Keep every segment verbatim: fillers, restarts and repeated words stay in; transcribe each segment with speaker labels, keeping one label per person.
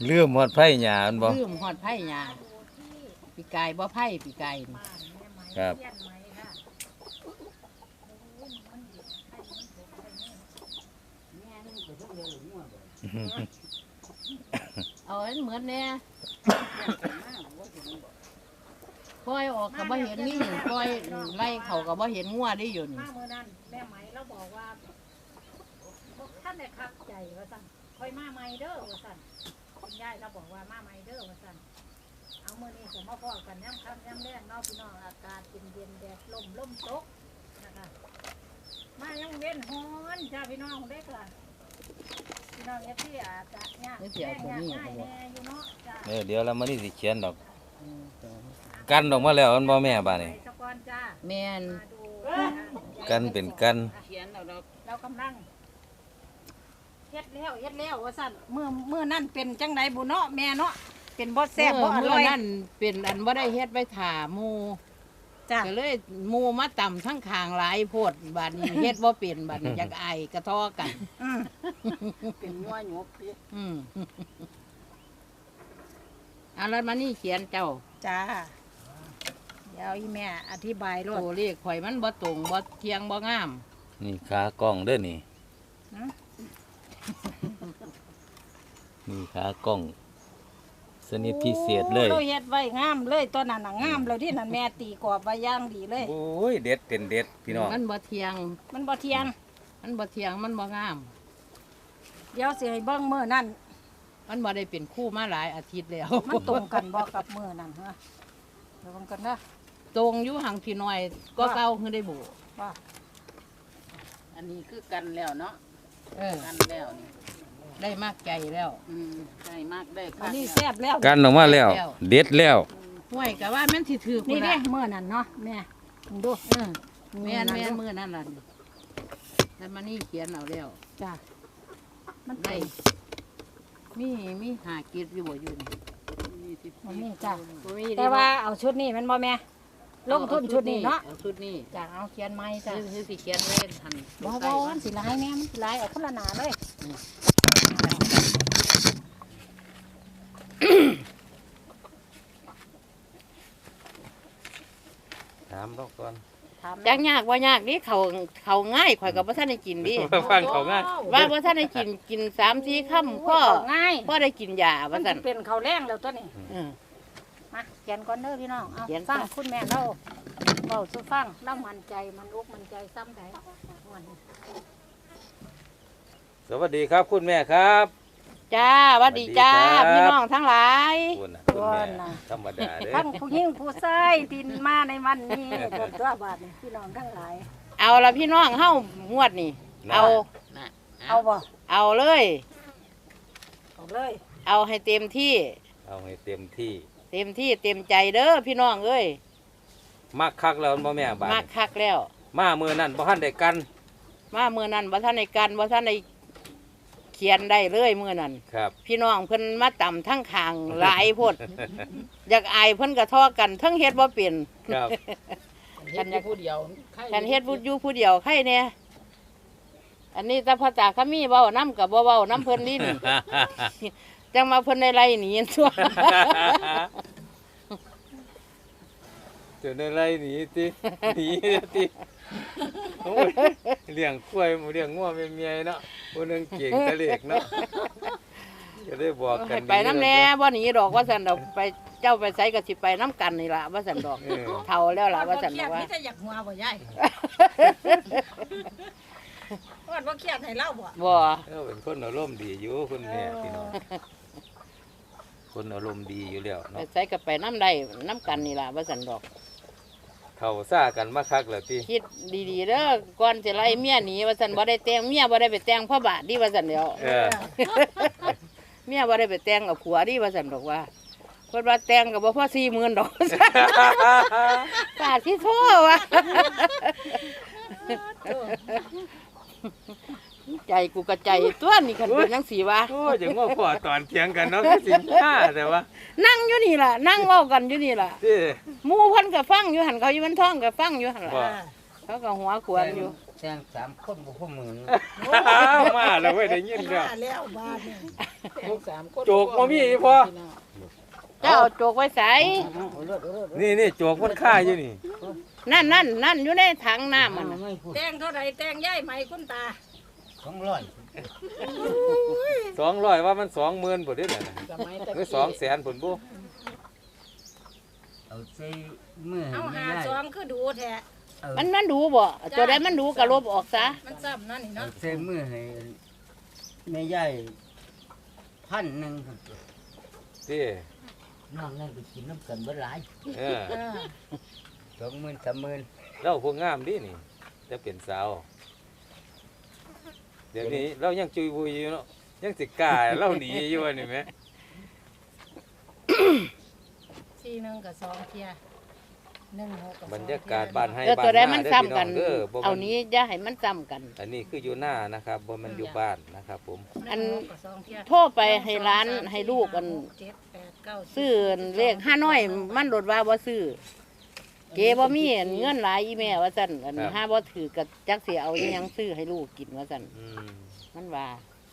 Speaker 1: ลืมหมดไผ่หญ้าอันบ่
Speaker 2: ลืมฮอดไผ่หญ้าปีกายบ่ไผ่ปีกายนี่
Speaker 1: ครับ
Speaker 2: เอาอันเหมือนแน่ปล่อยออกก็บ่เห็นนี่ปล่อยไล่เขาก็บ่เห็นงัวได้อยู่นี่
Speaker 3: มาเมื่อนั้นแม่ไหมเราบอกว่าบอกท่านได้คักใจว่าสั่นคอยมาใหม่เด้อว่าสั่นคุณยายเราบอกว่ามาใหม่เด้อว่าสั่นเอาเมื่อนี้จะมาพอกันย่ำค่ำย่ำแรงเนาะพี่น้องอากาศเย็นเย็นๆแดดลมลมตกนะคะมายังเว้นฮ้อนจ้าพี่น้องเด็กล่ะพี่น้องเอฟที่อาจจะยากแย่งยากง่ายแน่อยู่เนาะจ้า
Speaker 1: เออเดี๋ยวเรามานี่สิเขียนดอกกันออกมาแล้วอันบ่แม่บาดนี่
Speaker 3: สกอนจ้า
Speaker 2: แม่น
Speaker 3: มาดู
Speaker 1: กันเป็นกัน
Speaker 2: เขียนเอาดอก
Speaker 3: เรากำลังเฮ็ดแล้วเฮ็ดแล้วว่าสั่นเมื่อเมื่อนั่นเป็นจังไดบุเนาะแม่เนาะเป็นบ่แซ่บบ่อ
Speaker 2: เมื่
Speaker 3: ร่
Speaker 2: อ
Speaker 3: อย
Speaker 2: นั้นเป็นอันบ่ได้เฮ็ดไว้ถ่าหมู่
Speaker 3: จ้ะ
Speaker 2: ก็เลยหมู่มาต่ำทั้งคางหลายโพดบัดนี้เฮ็ดบ่เป็นบัดนี้อยากไอกระท้อกัน
Speaker 3: อืม
Speaker 2: เป็นงัวหยกอืมเอาแล้วมานี่เขียนเจ้า
Speaker 3: จ้าเดี๋ยวอีแม่อธิบายรถ
Speaker 2: ตัวเลขข่อยมันบ่ตรงบ่เที่ยงบ่งาม
Speaker 1: นี่ขากล้องเด้อนี่นี่ขากล้องสนิทพิเศษเลย
Speaker 3: เราเฮ็ดไว้งามเลยตัวนั้นน่ะงามแล้วที่นั่นแม่ตีกรอบไว้อย่างดีเลย
Speaker 1: โอ้ยเด็ดเป็นเด็ดพี่น้อง
Speaker 2: มันบ่เที่ยง
Speaker 3: มันบ่เทียง
Speaker 2: มันบ่เที่ยงมันบ่งาม
Speaker 3: เดี๋ยวสิให้เบิ่งมื้อนั้น
Speaker 2: มันบ่ได้เป็นคู่มาหลายอาทิตย์แล้ว
Speaker 3: มันตรงกันบ่กับมื้อนั้นฮะเดี๋ยวเบิ่งกันนะ
Speaker 2: ตรงอยู่ห่างพี่น้อยก็เก่าคือได้บุ
Speaker 3: ว่า
Speaker 2: อันนี้คือกันแล้วเนาะเออกันแล้วนี่ได้มากใจแล้วอืมได้มากได้
Speaker 3: อันนี้แซ่บแล้ว
Speaker 1: กันออกมาแล้ว เด็ดแล้ว
Speaker 2: ห้วยก็ว่ามันสิถือ
Speaker 3: นี่
Speaker 2: พุ่น
Speaker 3: เด้
Speaker 2: ล่ะ
Speaker 3: มื้อนั้นเนาะแม่ดู
Speaker 2: เออแม่นแม่นมื้อนั่นล่ะแต่มานี่เขียนเอาแล้ว
Speaker 3: จ้ามัน
Speaker 2: ได้
Speaker 3: ได้
Speaker 2: มีมีหากิจอยู่บ่อยู่นี่มีสิบ
Speaker 3: บ่มีจ้ะ
Speaker 2: บ่มี
Speaker 3: แต่ว่าเอาชุดนี้แมันบ่แม่ลงทุนชุดนี้เนาะ
Speaker 2: อชุดนี้
Speaker 3: จ้ะเอาเขียนไม้จ้ะ
Speaker 2: คือคือสิเขียนเล่นทัน
Speaker 3: บ่บ่มันสิลายแม่มันสิลายเอาคนละหนาเลย
Speaker 1: ถามเราก่อน
Speaker 3: ถาม
Speaker 2: จักยากว่ายากนี่เขาเขาง่ายข่อยก็บ่ทันได้กินดิ
Speaker 1: ฟังเขาง่าย
Speaker 2: ว่าบ่ทันได้กินกินสามสี่ค่ำพ่อ
Speaker 3: ง่าย
Speaker 2: พ่อได้กินยา
Speaker 3: มั
Speaker 2: ว่าน ซั่น
Speaker 3: สิเป็นข้าวแรงแล้วตัวนี้
Speaker 2: เออ
Speaker 3: มาเขียนก่อนเด้อพี่น้องเอา
Speaker 2: เขียน
Speaker 3: ฟัง
Speaker 2: จ้ะ
Speaker 3: คุณแม่เราเว้าสู่ฟังเรามั่นใจมันอกมั่นใจซ้ำใดม่วน
Speaker 1: สวัสดีครับคุณแม่ครับ
Speaker 2: จ้าหวัดดีจ้า
Speaker 1: สวัสดีครับ
Speaker 2: พี่น้องทั้งหลาย
Speaker 1: คุณน่ะคุณแม่ธรรมดาเด้อ
Speaker 3: ทั้งผู้หญิงผู้ชายที่มาในวันนี้จนตัวบาดนี่พี่น้องทั้งหลาย
Speaker 2: เอาละพี่น้องเฮ้างวดนี่เอา
Speaker 3: เอาบ่
Speaker 2: เอาเลย
Speaker 3: เอาเลย
Speaker 2: เอาให้เต็มที่
Speaker 1: เอาให้เต็มที่
Speaker 2: เต็มที่เต็มใจเด้อพี่น้องเอ้ย
Speaker 1: มักคักแล้วบ่แม่บาด
Speaker 2: มาก
Speaker 1: นี้
Speaker 2: คักแล้ว
Speaker 1: มามื้อนั้นบ่ทันได้กัน
Speaker 2: มาเมื่อนั้นบ่ท่านในกันบ่ท่านในเขียนได้เลยเมื่อนั้น
Speaker 1: ครับ
Speaker 2: พี่น้องเพิ่นมาต่ำทั้งขางหลายโพด อยากอายเพิ่นกระทอกันทั้งเฮ็ดบ่เป็น
Speaker 1: ครับ
Speaker 2: ฉันอยากผู้เดียวฉันเฮ็ดผู้อยู่ผู้เดียวใครเนี่ยอันนี้ถ้าพระจ่าขมีเว้าน้ำกับบ่เว้าน้ำเพิ่นนี่นี่ จังมาเพิ่นในไรหนีตัว
Speaker 1: เจอในไรหนีติหนีติโอ้ยเลี้ยงกล้วยเลี้ยงงัวแม่ๆเนาะผู้หนึงเก่งตะเล็กเนาะก็ได้บอกกั
Speaker 2: ให้
Speaker 1: น
Speaker 2: ไปน้ำแน่บ่หนีดอกว่าซั่นดอกไปเจ้าไปไสก็สิไปน้ำกันนี่ล่ะว่าซั่นดอก
Speaker 1: เออ
Speaker 2: เฒ่าแล้วล่ะว่าซั่นดอกว่า
Speaker 3: นี่จะอยากหัวบ่ยายว่าบ่เครียดให้เล่าบ่
Speaker 2: บ่
Speaker 1: เออเป็นคนอารมณ์ดีอยู่คุณแม่พี่น้องคนอารมณ์ดีอยู่แล้ว
Speaker 2: ไป
Speaker 1: เนาะ
Speaker 2: ไสก็ไปน้ำได้น้ำกันนี่ล่ะว่าซั่นดอก
Speaker 1: เข้าซ่ากันมาคักแล้วติ
Speaker 2: คิดดีๆเด้อก่อนสิไล่เมียหนีว่าซั่นบ่ได้แต่งเมียบ่ได้ไปแต่งพ่อบาทดิว่าซั่นเดียว
Speaker 1: เออ
Speaker 2: เมียบ่ได้ไปแต่งกับผัวดิว่าซั่นดอกว่าเพิ่นว่าแต่งก็บ่พอสี่หมื่นดอก กาสิโทษว่ะ ใจกูกระใจตัวนี่คันเป็นจังซี่วะ
Speaker 1: โอ้ยจังว่าพ่อตอนเถียงกันเนาะคือสิห้าแต่ว่า
Speaker 2: นั่งอยู่นี่ล่ะนั่งเว้ากันอยู่นี่ล่ะ
Speaker 1: ติ
Speaker 2: หมู่เพิ่นก็ฟังอยู่หั่นเขาอยู่มันท้องก็ฟังอยู่หั่นล่ะ
Speaker 1: บ่
Speaker 2: เขาก็หัวขวนอยู่
Speaker 4: แต่งสามคนบ่พอหมื่น
Speaker 1: มาแล้วเว้ยได้ยินแล้ว
Speaker 5: มาแล้วบ้านนี่
Speaker 6: สามคน
Speaker 1: โจกบ่มีอีพอ
Speaker 2: เจ้าเอาโจกไว้ใส่
Speaker 4: เอาเลิศเอาเลิศ
Speaker 1: นี่นี่โจกมันค่าอยู่นี่
Speaker 2: นั่นนั่นนั่นอยู่ในถังน้ำมัน
Speaker 4: เอา
Speaker 2: น่ะ
Speaker 4: ไม่พูด
Speaker 3: แตงเท่าไหร่แตงย่ายไหมคุณตา
Speaker 4: สองร้อย
Speaker 1: สองร้อยว่ามันสองหมื่นพุ่นเด้อน่ะ
Speaker 6: สมัยตะ
Speaker 1: หรือ
Speaker 6: กี้
Speaker 1: สองแสนพุ่นบ่
Speaker 4: เอาใส่มือ
Speaker 3: เอา
Speaker 4: ไม่
Speaker 3: หา
Speaker 4: ได้
Speaker 3: สองคือดูแท้
Speaker 4: เอา
Speaker 2: มันมันดูบ่ตัวใดมันดูก็ลบออกซะ
Speaker 3: มันซ้ำเนั่นนี่
Speaker 4: เอา
Speaker 3: เนาะ
Speaker 4: ใส่มือให้แม่ใหญ่พันหนึ่งครับ
Speaker 1: ที่
Speaker 4: นอกนั้นไปกินน้ำกันเบ่หลาย
Speaker 1: เออ
Speaker 3: เออ
Speaker 4: สองหมื่นสามหมื่น
Speaker 1: เราพวกงามดินี่จะเป็นสาวเดี๋ยวนี้เรายังจุยบุยอยู่เนาะยังสิกล้าเราหนีอยู่ว่านี่แหม
Speaker 3: สี่หนึ่งกับสองเทียหนึ่งหกกับสอง
Speaker 1: บรรยากาศบ้านให้
Speaker 2: แล้ว
Speaker 1: บ้าน
Speaker 2: ตัวใด
Speaker 1: นา
Speaker 2: มัน
Speaker 1: เด้อ
Speaker 2: ซ้ำ
Speaker 1: พี่น้
Speaker 2: กั
Speaker 1: อน งเด้อบ่
Speaker 2: เอา
Speaker 1: มัน
Speaker 2: นี้อย่าให้มันซ้ำกัน
Speaker 1: อันนี้คืออยู่หน้านะครับบ่มันอยู่บ้านนะครับผม
Speaker 2: อัน
Speaker 3: หงหกกับสองเที่ย
Speaker 2: โทรไปให้ร้านให้ลูกอัน
Speaker 3: เจ็ดแปดเก้าสิบ
Speaker 2: ซื้อเลขห้าน้อยมันโดดว่าบ่ซื้อเก๋บ่มีอันเงินหลายอีแม่ว่าซั่นอันห้าบ่ถือกับจักสิเอาอิหยังซื้อให้ลูกกินว่าซั่น
Speaker 1: อืม
Speaker 2: มันว่า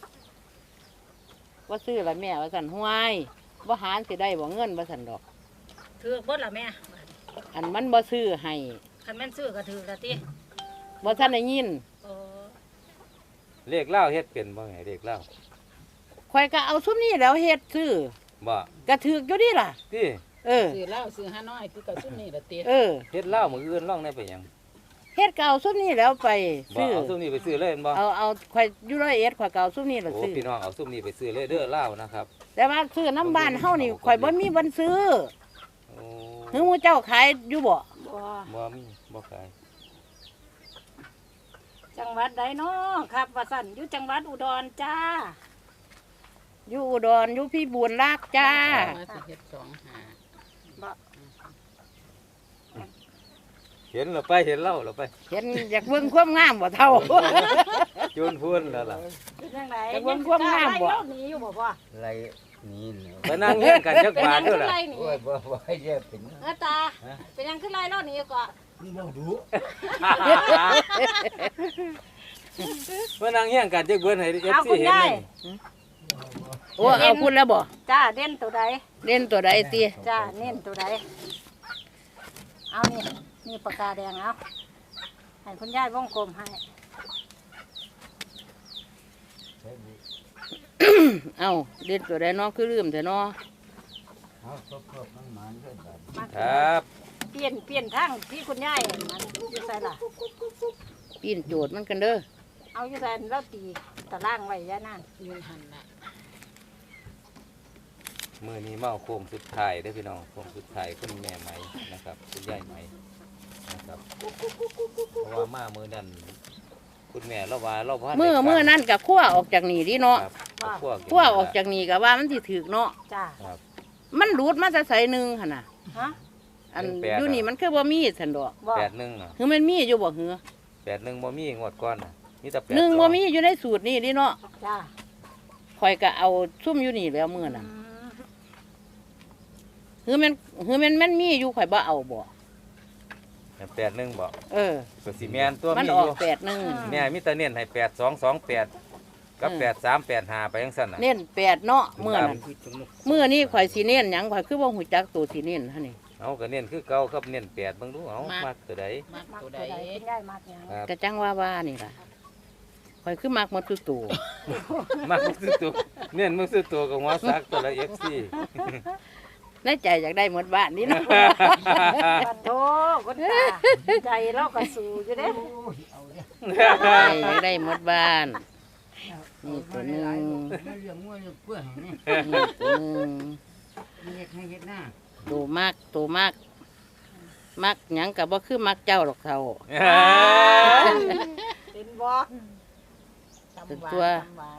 Speaker 2: ว่าซื้อละแม่ว่าซั่นห้วยบ่หารสิได้บ่เงินว่าซั่นดอก
Speaker 3: ถือเบิดละแม่
Speaker 2: อันมันบ่ซื้อให้
Speaker 3: คันแม่นซื้อก็ถือละติ
Speaker 2: บ่ทันได้ยิน
Speaker 3: โอ้
Speaker 1: เลขเล่าเฮ็ดเป็นบ่ไงเลขเล่า
Speaker 2: ข่อยก็เอาซุมนี้แล้วเฮ็ดซื้อ
Speaker 1: บ่
Speaker 2: ก็ถูกอยู่ดีล่ะ
Speaker 1: ที่
Speaker 2: เออ
Speaker 6: ซื้อเหล้าซื้อห้าน้อยคือกับซุ่มนี่ละเตี้ย
Speaker 2: เออ
Speaker 1: เฮ็ดเล่ามื้ออื่นล่องได้ไปหยัง
Speaker 2: เฮ็ดก็เอาซุมนี้แล้วไป
Speaker 1: บ่
Speaker 2: ซื้อ
Speaker 1: เอาซุมนี้ไปซื้อเลยแม่นบ่
Speaker 2: เอาเอาข่อยอยู่ร้อยเอ็ดข่อยก็เอาซุมนี้ล่ะ
Speaker 1: โอ้
Speaker 2: ซื้อ
Speaker 1: พี่น้องเอาซุมนี้ไปซื้อเลยเด้อเล่านะครับ
Speaker 2: แต่ว่าซื้อน้ำบ้านเฮานี่ข่อยบ่มีวันซื้อ
Speaker 1: โอ้
Speaker 2: หือหมู่เจ้าขายอยู่บ่
Speaker 3: บ่
Speaker 1: บ่มีบ่ขาย
Speaker 3: จังหวัดใดเนาะครับว่าสั่นอยู่จังหวัดอุดรจ้า
Speaker 2: อยู่อุดรอยู่พี่บุญรากจ้า
Speaker 6: มาสิเฮ็ดสองหา
Speaker 1: เห็นแล้วไปเห็นเล่าแล้วไป
Speaker 2: เห็นอยากเบิ่งความงามบ่เท่า
Speaker 1: จูนพูนแล้วล่ะ
Speaker 3: เป็นจังได
Speaker 2: แต่เบิ่งความงามบ่
Speaker 3: ไล่เล่หนีอยู่บ่พ่อ
Speaker 4: ไรนี่เนาะ
Speaker 1: ไปนั่งเฮียงกันจัก
Speaker 3: เป็น
Speaker 1: บา
Speaker 3: ยั
Speaker 1: ท
Speaker 3: ง
Speaker 1: เด้
Speaker 3: ขึ้
Speaker 1: อน ล่ะ
Speaker 3: ไล่หนี
Speaker 4: โอ้ยบ่บ่ให้เยอะเป็น
Speaker 3: เออตาเป็นยังขึ้นไล่เล่าหนีก่อน
Speaker 4: มันบ่ดู
Speaker 1: มานั่งเฮียงกันจักเบิ่นให้ เอฟ
Speaker 3: เอา
Speaker 1: ซี
Speaker 3: คุณ
Speaker 1: เห็น
Speaker 3: ยาย
Speaker 1: นี่
Speaker 2: โอ้เอาพูดแล้วบ่
Speaker 3: จ้าเด่นตัวใด
Speaker 2: เล่นตัวใดติ
Speaker 3: จ้าเน้นตัวใดเอานี่นี่ปากกาแดงเอาให้คุณยายวงกลมให้
Speaker 2: เอ้าเล่นตัวใดเนาะคือลืมแต่เนาะ
Speaker 4: เอาครบๆมันมันด้วยกัน
Speaker 3: มา
Speaker 1: ครับ
Speaker 3: เปลี่ยนเปลี่ยนทางที่คุณยายมันอยู่ใส่ล่ะ
Speaker 2: ปีนโจทย์มันกันเด้อ
Speaker 3: เอาอยู่ใส่แล้วตีตารางไว้ยานั่น
Speaker 6: ยืนหันละ
Speaker 1: มื้อนี้มาเอาโค้งสุดท้ายเด้อพี่น้องโค้งสุดท้ายคุณแม่ไหมนะครับคุณยายไหมนะครับเพราะว่ามามื้อนั้นคุณแม่เราว่าเราบ่ทันได้
Speaker 2: มือ
Speaker 1: ฟัง
Speaker 2: มือนั่นก็คั่วออกจากนี่ดิเนาะ
Speaker 1: ครับเอาคั่วกิน
Speaker 2: คั่วออกจากนี่ก็ว่ามันสิถึกเนาะ
Speaker 3: จ้า
Speaker 1: ครับ
Speaker 2: มันรูดมาจะใส่หนึงหั่นน่ะ
Speaker 3: ฮะ
Speaker 2: อัน
Speaker 1: เป็นแปด
Speaker 2: อยู่นี่
Speaker 1: อะ
Speaker 2: มันคือบ่มีซั่นดอก
Speaker 3: บอก
Speaker 1: แปดหนึ่งน่ะ
Speaker 2: คือมันมีอยู่บ่หือ
Speaker 1: แปดหนึ่งบ่มีงวดก่อนน่ะมีแต่แปด
Speaker 2: หนึ่ง
Speaker 1: สอ
Speaker 2: บ่มีอยู่ในสูตรนี่ดิเนาะ
Speaker 3: จ้า
Speaker 2: ข่อยก็เอาซุ่มอยู่นี่แล้วมื้อนั้น คือมันคือมันมันมีอยู่ข่อยบ่เอาบ่
Speaker 1: แปดหนึ่งบ่
Speaker 2: เออ
Speaker 1: ก็สิแม่นตัว
Speaker 2: มัน
Speaker 1: มี
Speaker 2: อ
Speaker 1: อ
Speaker 2: อก
Speaker 1: ยู่
Speaker 2: แปดหนึ่ง
Speaker 1: แม่มีแต่เน้นให้แปดสองสองแปดกับ
Speaker 2: อืม
Speaker 1: แปดสามแปดห้าไปจังซั่นน่ะ
Speaker 2: เน้นแปดเนาะมื้อนั้น
Speaker 4: คือจมูก
Speaker 2: มื้อนี้ข่อยสิเน้นหยังข่อยคือบ่ฮู้จักตัวสิเน้นหั่นนี่
Speaker 1: เอาก็เน้นคือเก่าครับเน้นแปดเบิ่งดูเอามักตัวใด
Speaker 6: มัก
Speaker 3: มัก
Speaker 6: ตั
Speaker 3: ตัว ว
Speaker 6: ใด
Speaker 3: ใดคุณยายมักหยัง
Speaker 1: ครับ
Speaker 2: ก็จังว่าว่านี่ล่ะข่อยคือมักหมดทุกตัว
Speaker 1: มักมึงซื้อตัวเน้นมึงซื้อตัวกับหัวซักตัวละ เอฟ ซี
Speaker 2: ในใจอยากได้หมดบ้านนี่เนาะ
Speaker 3: ปัดโทคุณตาใจเราก็สู้อยู่เด้
Speaker 2: ใจอยากได้หมดบ้าน นี่ตัวหนึง
Speaker 4: มาเลี้ยงงัวเลี้ยงกล้วยให้นี่
Speaker 2: นี่ตัวหนึง
Speaker 4: เฮ็ดให้เฮ็ดหน้า
Speaker 2: ตัวมากตัวมากมักหยังก็บ่คือมักเจ้าหรอกเท่า
Speaker 3: เป็นบ่ตำหวาน
Speaker 2: เป็นตัว
Speaker 3: ตำหวาน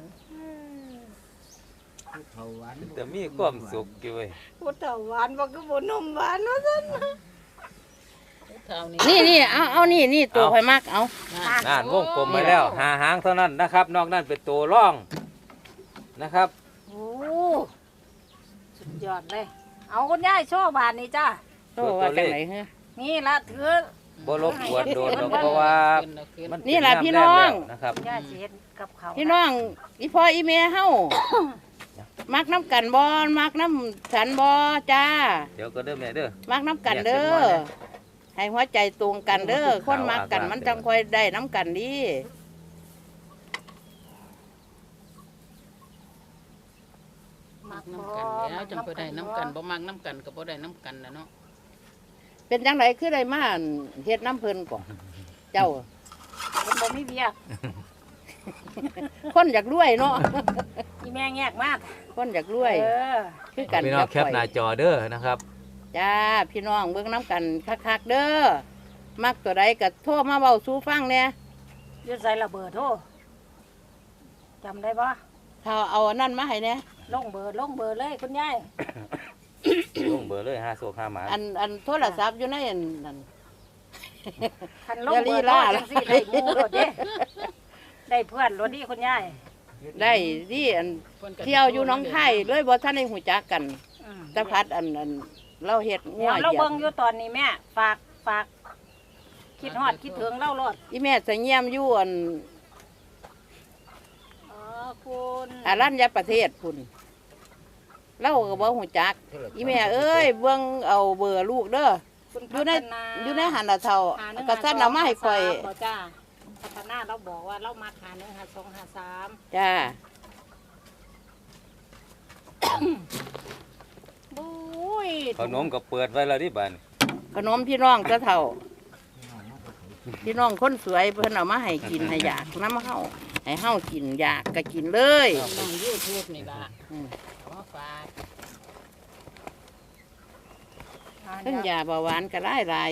Speaker 4: เผาหวาน
Speaker 1: แต่มีความสุขอยู่เว้ย
Speaker 3: พูดเต่าหวานบ่คือบ่นมหวานว่าซั่น
Speaker 6: เท่านี้
Speaker 2: นี่นี่เอาเอานี่นี่ตัวข่อยมักเอา
Speaker 1: นั่นวงกลมไปแล้วหาหางเท่านั้นนะครับ นอกนั้นเป็นตัวร่องนะครับ
Speaker 3: โอ้สุดยอดเลย เอาคุณยายโชว์บานนี่จ้า
Speaker 2: โตว่าจังไหนฮะ
Speaker 3: นี่ละถือ
Speaker 1: บ่รบกวนโดนดอกเพราะว่า
Speaker 6: ขึ้นแล้วขึ้น
Speaker 1: มัน
Speaker 2: นี่แหละ
Speaker 1: เป็
Speaker 2: พี่น้อง
Speaker 1: ยามแรกแล้วนะครับ
Speaker 3: ย่าสิเฮ็ดกับเขาว
Speaker 2: พี่น้องอีพ่ออีแม่เฮามักน้ำกันบ่มักน้ำฉันบ่จ้า
Speaker 1: เดี๋ยวก็เด้อแม่เด้อ
Speaker 2: มักน้ำกันเด้อให้หัวใจตรงกันเด้อคนมักกันมันจังค่อยได้น้ำกันดี
Speaker 6: มักน้ำกันแล้วจังไปได้น้ำกันบ่มักน้ำกันก็บ่ได้น้ำกันนะเนาะ
Speaker 2: เป็นจังไดคือได้มาเฮ็ดน้ำเพิ่นก่อนเจ้า
Speaker 3: มันบ่มีเวียก
Speaker 2: คนอยากรวยเนาะ
Speaker 3: อีแม่แงกมาก
Speaker 2: คนอยากรวย
Speaker 3: เออ
Speaker 2: คือกัน
Speaker 1: พี่น้องแคปหน้าจอเด้อนะครับ
Speaker 2: จ้าพี่น้องเบิ่งน้ำกันคักๆเด้อมักตัวใดก็โทรมาเว้าสู่ฟังเนี่ย
Speaker 3: อยู่ใส่ระเบิดโทจำได้ปะ
Speaker 2: ถ้าเอาอันนั้นมาให้เนี่ย
Speaker 3: ลงเบอร์ลงเบอร์เลยคุณยาย
Speaker 1: ลงเบอร์เลยห้าโซห้าหมา
Speaker 2: อันอันโทรศัพท์อยู่ในอันนั้น
Speaker 3: คันลงเบอร์โทรจังสิได้หมู่รถเด้ได้เพื่อนรถดีคุณยาย
Speaker 2: ได้ที่อัน
Speaker 6: พิ่นก็
Speaker 2: เที่ยวอยู่หน้องไข่เลยบ่ทันได้หูจักกัน
Speaker 3: อืม
Speaker 2: แตะพัดอันอันเราเฮ็ดงั
Speaker 3: เดี๋
Speaker 2: ว
Speaker 3: ยว
Speaker 2: เห
Speaker 3: เรา
Speaker 2: ยีย
Speaker 3: เบิ่ง
Speaker 2: บ
Speaker 3: อยู่ตอนนี้แม่ฝากฝากคิดฮอดคิดถึงเล่ารถ
Speaker 2: อีแม่สะเงียมอยู่อัน
Speaker 3: อ๋อคุณ
Speaker 2: อารัญญประเทศพุ่นเราก็บ่หูจัก อีแม่เอ้ยเบิ่งเอาเบอร์ลูกเด้อ
Speaker 3: คุณ
Speaker 2: อยู่ใน
Speaker 3: พัฒนา
Speaker 2: อยู่ในหันละเท่า
Speaker 3: หาหนึ่ง
Speaker 2: ก็สั่นเอามาให้ข่อย
Speaker 3: สามบ่จ้าพัฒนาเราบอกว่าเรามาหาหนึ่งหาสองหาสาม
Speaker 2: จ้า
Speaker 3: บุ้ย
Speaker 1: ขนมก็เปิดไว้แล้วที่บ้าน
Speaker 2: ขนมพี่น้องเจ้าเท่า พี่น้องคนสวยเพิ่นเอามาให้กินให้อยากน้ำเฮาให้เฮากินอยากก็กินเลย
Speaker 6: น้อง YouTube นี่ล่ะ
Speaker 2: อืม
Speaker 6: ขอฝาก
Speaker 2: เพิ่งยาเบาหวานก็ได้หลาย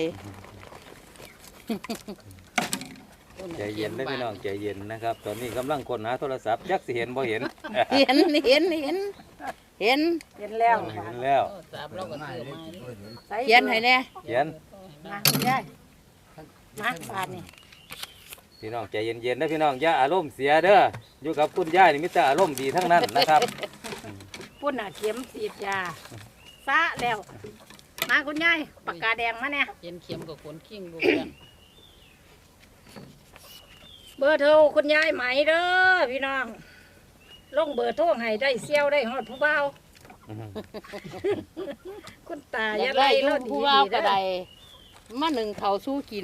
Speaker 1: ใจเย็นได้อพี่น้องใจเย็นนะครับ ตอนนี้กำลังค้นหาโทรศัพท์จักสิเห็นบ่เห็น
Speaker 2: เห็นเห็นเห็นเห็น
Speaker 3: เห็นแล้ว
Speaker 1: เห็นแล้ว
Speaker 6: โทรศัพท์เราก็ซื้อมาดิ
Speaker 3: ใส่
Speaker 2: เขียนให้แน่
Speaker 1: เขียน
Speaker 3: มาคุณยายมาบานนี่
Speaker 1: พี่น้องใจเย็นๆนะพี่น้องอย่าอารมณ์เสียเด้ออยู่กับคุณย่านี่มิตรอารมณ์ดีทั้งนั้นนะครับ
Speaker 3: ปุ่นอ่ะเข็มสีดยาซะแล้ว มาคุณยายปากกาแดงมาเนี่ย
Speaker 6: เย็นเข็มกับขนคิงลูกกัน
Speaker 3: เบอร์โทรคุณยายไหมเด้อพี่น้องลงเบอร์โทรให้ได้เซี่ยวได้ฮอดผู้เบาคุณตา
Speaker 2: อ
Speaker 3: อย่
Speaker 2: า
Speaker 3: ย่าก ไล่
Speaker 2: ได้
Speaker 3: เรา
Speaker 2: ลูก
Speaker 3: ดี
Speaker 2: ผู้
Speaker 3: ๆ
Speaker 2: ว่าก็
Speaker 3: เด้อ
Speaker 2: ได้มาหนึ่งเขาวสู้กิน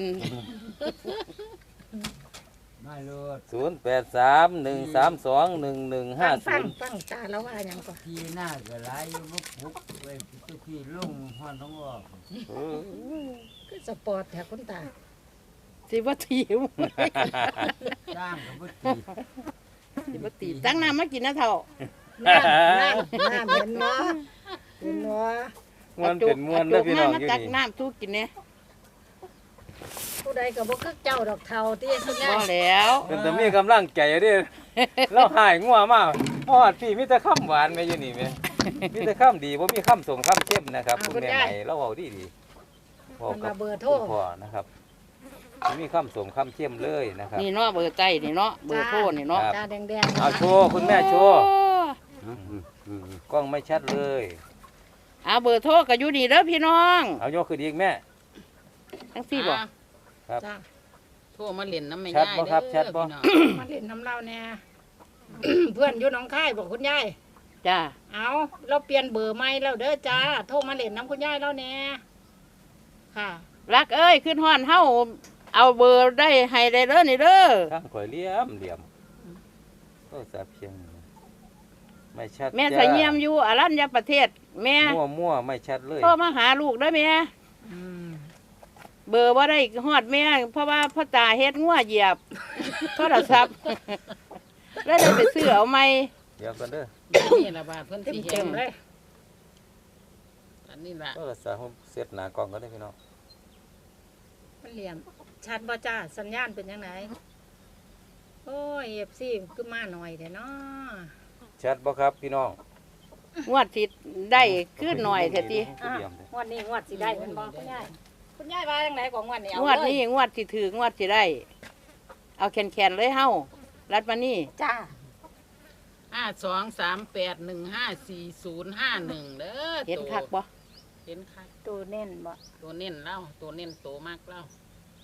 Speaker 4: ไม่รถ
Speaker 1: ศูนย์แปดสามหนึ่งสามสองหนึ่งหนึ่งห้า
Speaker 3: ฟั
Speaker 1: ศู
Speaker 3: ง
Speaker 1: นย์
Speaker 3: ฟังตาแล้วว่าหยังก่อน
Speaker 4: ที่หน้าก็ไหลบุกบุกไปทุกที่ลงห้อนท้องออก
Speaker 3: คือสปอร์ตแถวคุณตา
Speaker 2: สิบ่ตีม
Speaker 4: สร้างกับบุตรี
Speaker 2: สิบ่ตีตั้งน้ำมากินนะเท่า
Speaker 3: น้ำน้ำน้ำเห็นเนาะเห็นเนาะ
Speaker 1: มวนเป็นมวนเด้อพี่น้อง
Speaker 2: มา
Speaker 1: อยู่
Speaker 2: ตัก
Speaker 1: นี่
Speaker 2: น้ำสู้กินเนี่ย
Speaker 3: ผู้ใดก็บ่คือเจ้าดอกเทาที่คุณยา
Speaker 2: บ่
Speaker 3: ย
Speaker 2: แล้ว
Speaker 1: เป็นแต่มีกำลังใจเด้อเราหายงัวมากฮอดพี่มีแต่คำหวานแม่อยู่นี่แม่มีแต่คำดีบ่มีคำสมคำเข้มนะครับคุณแม่ใหม่เราเว้าดีดีๆบอก
Speaker 3: มัน
Speaker 1: กั
Speaker 3: มา
Speaker 1: บ
Speaker 3: เบอร์โทร
Speaker 1: คุณพ่อนะครับบ่มีคำสมคำเข้มเลยนะครับ
Speaker 2: นี่เนาะเบอร์ใจนี่เนาะเบอร์โทรนี่เนาะ
Speaker 1: ครับ
Speaker 3: ตาแดงๆ
Speaker 1: เอาโชว์คุณแม่โชว์
Speaker 2: โอ้
Speaker 1: กล้องไม่ชัดเลย
Speaker 2: เอาเบอร์โทรก็อยู่นี่เด้อพี่น้อง
Speaker 1: เอายกขึ้นอีกแม่
Speaker 2: ทั้งสี่บ่
Speaker 6: อ่ะ
Speaker 1: ครับ
Speaker 3: จ้า
Speaker 6: โทรมาเล่นน้ำไม่
Speaker 1: ชัด
Speaker 6: ง่าย
Speaker 1: บ่ครับชัดบ่
Speaker 6: พี่น้อง
Speaker 3: มาเล่นน้ำเล่าแน่ เพื่อนอยู่หนองคายบอกคุณยาย
Speaker 2: จ้า
Speaker 3: เอาเราเปลี่ยนเบอร์ใหม่แล้วเด้อจ้า โทรมาเล่นน้ำคุณยายแล้วแน่ค่ะ
Speaker 2: รักเอ้ยขึ้นห้อนเฮาเอาเบอร์ได้ให้ได้เด้อนี่เด้อ
Speaker 1: ข้างข่อยเหลี่ยมเหลี่ยมโทรศัพท์เพียงไม่ชัด
Speaker 2: แม่
Speaker 1: จ้า
Speaker 2: สะเยี่ยมอยู่อรัญญประเทศ แม่
Speaker 1: มั่วมั่วไม่ชัดเลย
Speaker 2: โทรมาหาลูกเด้อแม่
Speaker 3: อืม
Speaker 2: เบอร์ว่าได้ฮอดแม่เพราะว่าพ่อตาเฮ็ดงัวเหยียบโทรศัพท์ แล้วได้ไปซื้อเอาใหม่
Speaker 1: เดี๋ยวกันเด้อ
Speaker 6: นี่ละบาทเพิ่น
Speaker 3: เต็ม
Speaker 6: สิ
Speaker 3: เต็
Speaker 6: เห็
Speaker 3: ม
Speaker 6: น
Speaker 3: ๆเลย
Speaker 6: อันนี้ละ
Speaker 1: โทรศัพท์ผมเสร็จหน้ากล้องก็ได้พี่น้อง
Speaker 3: มันเหลี่ยม ชัดบ่จ้า สัญญาณเป็นยังไงโอ้ยเอฟซีคือมาหน่อยเด้เนาะ
Speaker 1: ชัดบ่ครับพี่น้อง
Speaker 2: งวดสิได้ขึ้นหน่อยเถอะติ
Speaker 3: อ่ะงวดนี้งวดสิได้เป็นบ่คุณยายคุณยายว่าจังไดของงวดนี้เอา
Speaker 2: งวด
Speaker 3: เลย
Speaker 2: นี้งวดสิถืองวดสิได้ เอาแขนๆเลยเฮารัดมานี่
Speaker 3: จ้า
Speaker 6: ห้าสองสามแปดหนึ่งห้าสี่ศูนย์ห้าหนึ่งเด้อ
Speaker 2: เห็นคักบ่
Speaker 6: เห็นคัก
Speaker 3: ตัวเน้นบ่
Speaker 6: ตัวเน้นเล่าตัวเน้นโตมากเล่า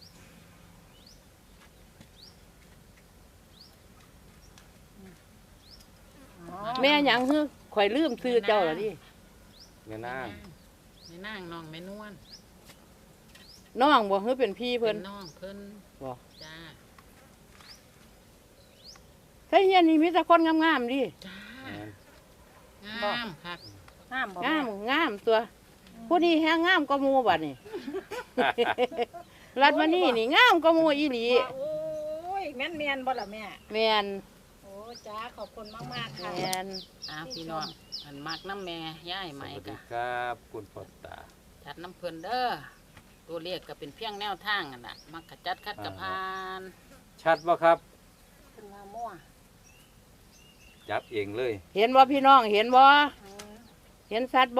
Speaker 3: อ๋อ
Speaker 2: แม่หยังฮึข่อยลืมซื้อเจ้าล่ะดิ
Speaker 1: แม่นาง
Speaker 6: แม่นางน้องแม่นวล
Speaker 2: น้องบ่ฮึเป็นพี่
Speaker 6: เพิ่
Speaker 2: เพิ่
Speaker 6: น
Speaker 2: น
Speaker 6: น้องเพิ่น
Speaker 2: บ่
Speaker 6: จ้า
Speaker 2: ใช่เฮียนนี่มีแต่คนงามๆดิ
Speaker 6: จ้า
Speaker 1: แม่น
Speaker 6: งามคัก
Speaker 3: ห้ามบ่
Speaker 2: งามงามตัว ผู้นี้แฮงงามกว่าหมู่บัดนี่ รัดมานี่นี่งามกว่าหมู่อีหลี
Speaker 3: โอ้ยแม่นเมียนบ่ล่ะแม่
Speaker 2: แม่น
Speaker 3: โอ้จ้าขอบคุณมากๆค่ะ
Speaker 2: แม่น
Speaker 6: อ้าวพี่น้องอันมักน้ำแม่ย่าย
Speaker 1: ส
Speaker 6: ไหม
Speaker 1: วัสดี
Speaker 6: กะ
Speaker 1: ครับคุณพ่อตา
Speaker 6: จัดน้ำเพิ่นเด้อตัวเลขก็เป็นเพียงแนวทางอ่ะน่ะมักกะจัดคัดกะพาน
Speaker 1: ชัดบ่ครับ
Speaker 6: เพิ่นว่ามั่ว
Speaker 1: จับเองเลย
Speaker 2: เห็นบ่พี่น้องเห็นบ่เห็นสัตว์บ่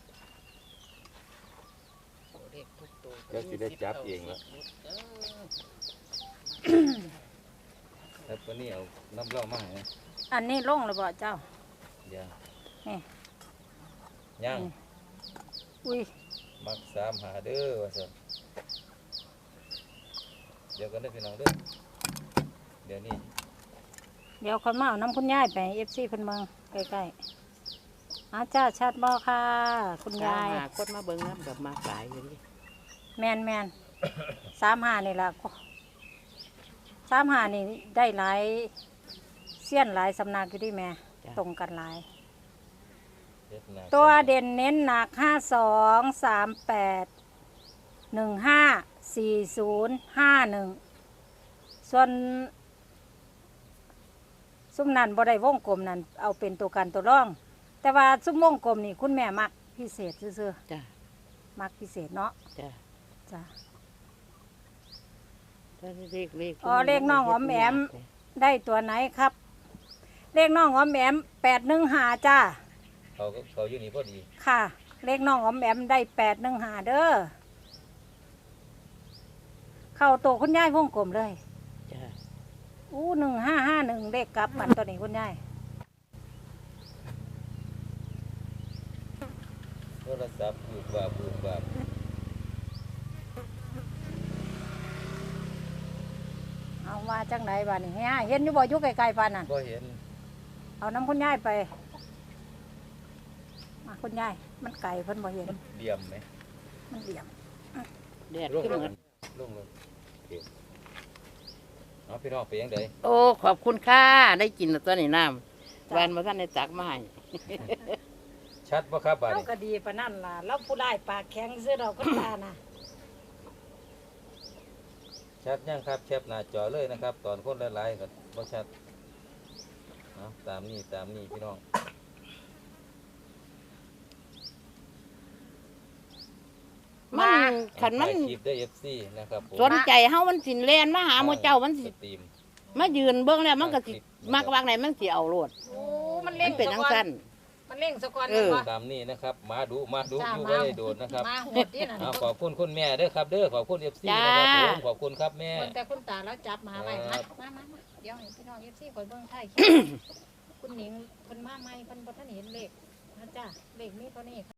Speaker 6: ตัวเลขทุกตัว
Speaker 1: เดี๋ยวสิได้จับเองแล้ว
Speaker 6: เด้อ
Speaker 1: แล้วตัวนี้เอาน้ำเหล่ามาให้นะ
Speaker 3: อันนี้ลงเลยบ่เจ้า
Speaker 1: เดี๋ยว
Speaker 3: นี่
Speaker 1: ย่าง
Speaker 3: อุ้ย
Speaker 1: มักสามหาเด้อว่าซั่นเดี๋ยวกันเด้อพี่น้องเด้อเดี๋ยวนี้
Speaker 3: เดี๋ยวคนมาเอาน้ำคุณยายไป เอฟ ซี เพิ่นเมืองใกล้ๆอาจ้าชัดบ่ค่ะ คุณยาย
Speaker 2: หาคนมาเบิ่งน้ำกับมาหลายอยู่ดิ
Speaker 3: แมนแมนสามหานี่ล่ะสามหานี่ได้หลายเสี้ยนหลายสำนักอยู่ดิแม่ ตรงกันหลาย
Speaker 1: เฮ็ดหน้า
Speaker 3: ตัวเด่นเน้นหนักห้าสองสามแปดหนึ่งห้าสี่ศูนย์ห้าหนึ่งส่วนซุ้มนั่นบ่ได้วงกลมนั่นเอาเป็นตัวกันตัวร่อง แต่ว่าซุ้มวงกลมนี่คุณแม่มักพิเศษซื่อ
Speaker 2: จ้ะ
Speaker 3: ๆมักพิเศษเนาะ
Speaker 2: จ้ะ
Speaker 3: จ้ะ
Speaker 2: ถ้าเลขเลข
Speaker 3: อ๋อเลขน้องอ๋อมแอม ได้ตัวไหนครับ เลขน้องอ๋อมแอมแปดหนึ่งหาจ้า
Speaker 1: เขาก็เขาอยู่นี่พอดี
Speaker 3: ค่ะ เลขน้องอ๋อมแอมได้แปดหนึ่งหาเด้อเข้าโตวคุณยายวงกลมเลย
Speaker 2: จ้ะ
Speaker 3: อู้หนึ่งห้าห้าหนึ่งเลขกลับมันตัวนี้คุณยาย
Speaker 1: โทรศัพท์บูบาบบูบาบ
Speaker 3: เอาว่าจังไหนบ้านี่เฮียเห็นอยู่บ่อยู่ไกลๆปานนั่น
Speaker 1: บ่เห็น
Speaker 3: เอาน้ำคุณยายไปมาคุณยายมันไก่เพิ่นบ่เห็น
Speaker 1: มันเดี่ยมไหม
Speaker 3: มันเหลี่ยม
Speaker 2: แดด
Speaker 1: ลง
Speaker 2: ขึ้น
Speaker 1: ล
Speaker 2: เห
Speaker 1: ง
Speaker 2: มือน
Speaker 1: ลงลงโอเคเอาพี่น้องไปยังได
Speaker 2: โอ้ขอบคุณค่ะได้กินแล้วตัวนี้น้ำวันมาท่านได้ตักมาให้
Speaker 1: ชัดบ่ครับบาด
Speaker 3: เรา
Speaker 1: นี้
Speaker 3: ก็ดีปานนั่นล่ะเราผู้ได้ปากแข็งซื้อเราก็ตานะ
Speaker 1: ชัดยังครับแคปหน้าจอเลยนะครับ ตอนคนหลายๆก็บ่ชัดเอาตามนี้ตามนี้พี่น้อง
Speaker 2: มันขันมัน
Speaker 1: ถ่ายคลิปได้ เอฟ ซี นะครับผม
Speaker 2: สนใจเฮามันสิแล่นมาหาหมู่เจ้ามันสิ
Speaker 1: สตรีม
Speaker 2: มายืนเบิ่งแล้วมันก็สิมักวางไหนมันสิเอาโลด
Speaker 3: โอ้มัน
Speaker 2: มั
Speaker 3: เล่
Speaker 2: น
Speaker 3: ง
Speaker 2: เป็นจังซั่น
Speaker 3: มันเล่งสะกอน
Speaker 2: เออ
Speaker 3: วะ
Speaker 1: ตามนี้นะครับมาดูมาดู
Speaker 3: จ้า
Speaker 1: อยู่
Speaker 3: มา
Speaker 1: บ่ได้โดนนะครับ
Speaker 3: มาโหดที่นั่น
Speaker 1: เอาขอบคุณคุณแม่เด้อครับเด้อขอบคุณ เอฟ ซี
Speaker 2: จ้า
Speaker 1: นะครับผมขอบคุณครับแม่
Speaker 3: คนแต่คุณตาแล้วจับมาไว้
Speaker 1: ครั
Speaker 3: มา
Speaker 1: บ
Speaker 3: มามามาเดี๋ยวให้พี่น้องเอฟซีคอยเบิ่งไทย คุณหนิงเพิ่นมาใหม่เพิ่นบ่ทันเห็นเลขนะจ้าเลขมีเท่านี้